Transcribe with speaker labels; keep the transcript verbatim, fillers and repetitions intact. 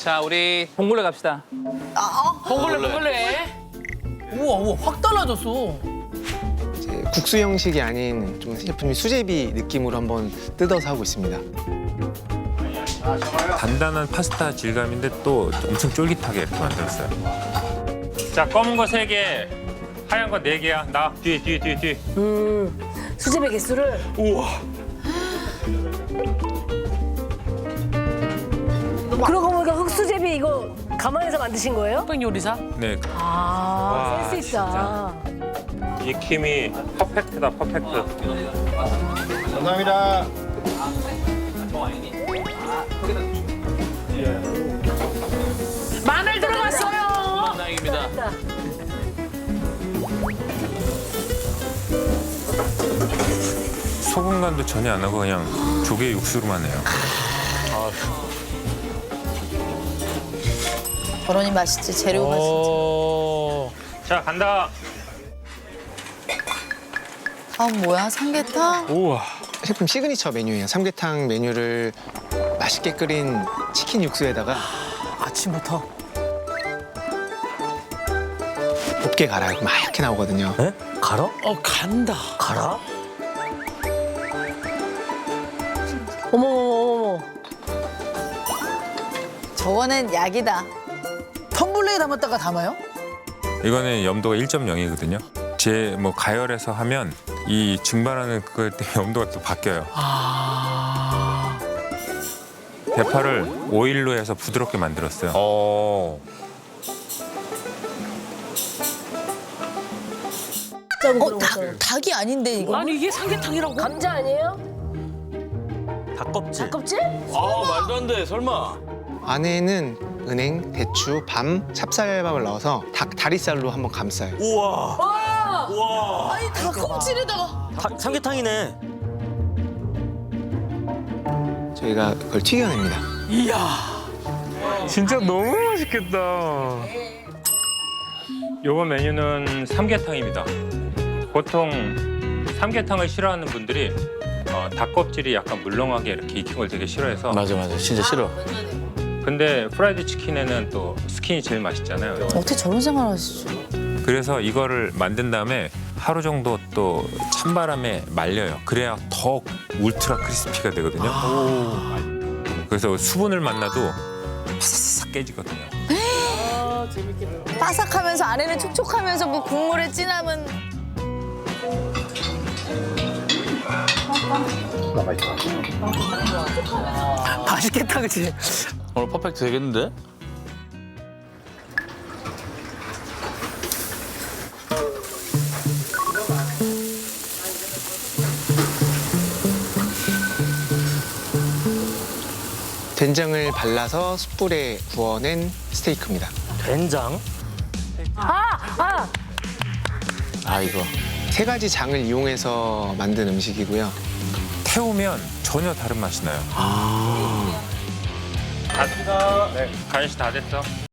Speaker 1: 자, 우리 봉골레 갑시다.
Speaker 2: 봉골레 봉골레. 우와 우와 확 달라졌어.
Speaker 3: 이제 국수 형식이 아닌 좀 제품이 수제비 느낌으로 한번 뜯어서 하고 있습니다.
Speaker 4: 단단한 파스타 질감인데 또 엄청 쫄깃하게 이렇게 만들었어요. 자, 검은 거 세 개, 하얀 거 네 개야. 나 뒤에 뒤에 뒤에 뒤에.
Speaker 5: 음, 수제비 개수를.
Speaker 4: 우와.
Speaker 5: 그러고 보니까 흑수제비 이거 가만히서 만드신 거예요?
Speaker 2: 흑백 요리사?
Speaker 4: 네,
Speaker 5: 아,
Speaker 4: 와,
Speaker 5: 센스 있다.
Speaker 4: 익힘이 퍼펙트다, 퍼펙트.
Speaker 6: 감사합니다.
Speaker 2: 마늘 들어갔어요.
Speaker 1: 다행입니다.
Speaker 4: 소금 간도 전혀 안 하고 그냥 조개 육수로만 해요.
Speaker 7: 결혼이 맛있지, 재료가 진짜.
Speaker 2: 오.
Speaker 4: 자, 간다.
Speaker 7: 아, 뭐야, 삼계탕?
Speaker 4: 우와.
Speaker 3: 셰프님 시그니처 메뉴예요. 삼계탕 메뉴를 맛있게 끓인 치킨 육수에다가
Speaker 2: 아침부터.
Speaker 3: 곱게 갈아요. 그럼 하얗게 나오거든요.
Speaker 8: 에? 갈아?
Speaker 2: 어 간다.
Speaker 8: 갈아?
Speaker 5: 어머, 어머, 어머.
Speaker 7: 저거는 약이다.
Speaker 2: 텀블러에 담았다가 담아요?
Speaker 4: 이거는 염도가 일 점 영이거든요. 제 뭐 가열해서 하면 이 증발하는 그거 때문에 염도가 또 바뀌어요.
Speaker 2: 아.
Speaker 4: 대파를 오일로 해서 부드럽게 만들었어요.
Speaker 8: 어.
Speaker 7: 어, 닭, 닭이 아닌데, 이거?
Speaker 2: 아니 이게 삼계탕이라고?
Speaker 5: 감자 아니에요?
Speaker 8: 닭껍질.
Speaker 5: 껍질?
Speaker 8: 아 말도 안 돼. 설마.
Speaker 3: 안에는 은행, 대추, 밤, 찹쌀밥을 넣어서 닭 다리살로 한번 감싸요.
Speaker 8: 우와.
Speaker 5: 와!
Speaker 8: 우와.
Speaker 7: 아니, 닭껍질에다가.
Speaker 8: 닭, 삼계탕이네.
Speaker 3: 저희가 그걸 튀겨냅니다.
Speaker 2: 이야.
Speaker 4: 진짜 너무 맛있겠다. 요번 메뉴는 삼계탕입니다. 보통 삼계탕을 싫어하는 분들이 어, 닭껍질이 약간 물렁하게 이렇게 익힌 걸 되게 싫어해서
Speaker 8: 맞아 맞아. 진짜 싫어.
Speaker 4: 근데 프라이드 치킨에는 또 스킨이 제일 맛있잖아요.
Speaker 7: 어떻게 저런 생활 하시죠?
Speaker 4: 그래서 이거를 만든 다음에 하루 정도 또 찬바람에 말려요. 그래야 더 울트라 크리스피가 되거든요. 그래서 수분을 만나도 바삭바삭 깨지거든요.
Speaker 7: 바삭하면서 안에는 촉촉하면서 뭐 국물에 진함은.
Speaker 2: 맛있겠다 그치?
Speaker 8: 오늘 퍼펙트 되겠는데?
Speaker 3: 된장을 발라서 숯불에 구워낸 스테이크입니다.
Speaker 8: 된장?
Speaker 5: 아! 아!
Speaker 8: 아 이거.
Speaker 3: 세 가지 장을 이용해서 만든 음식이고요.
Speaker 4: 태우면 전혀 다른 맛이 나요. 다 됐다. 네, 간식 다 됐어.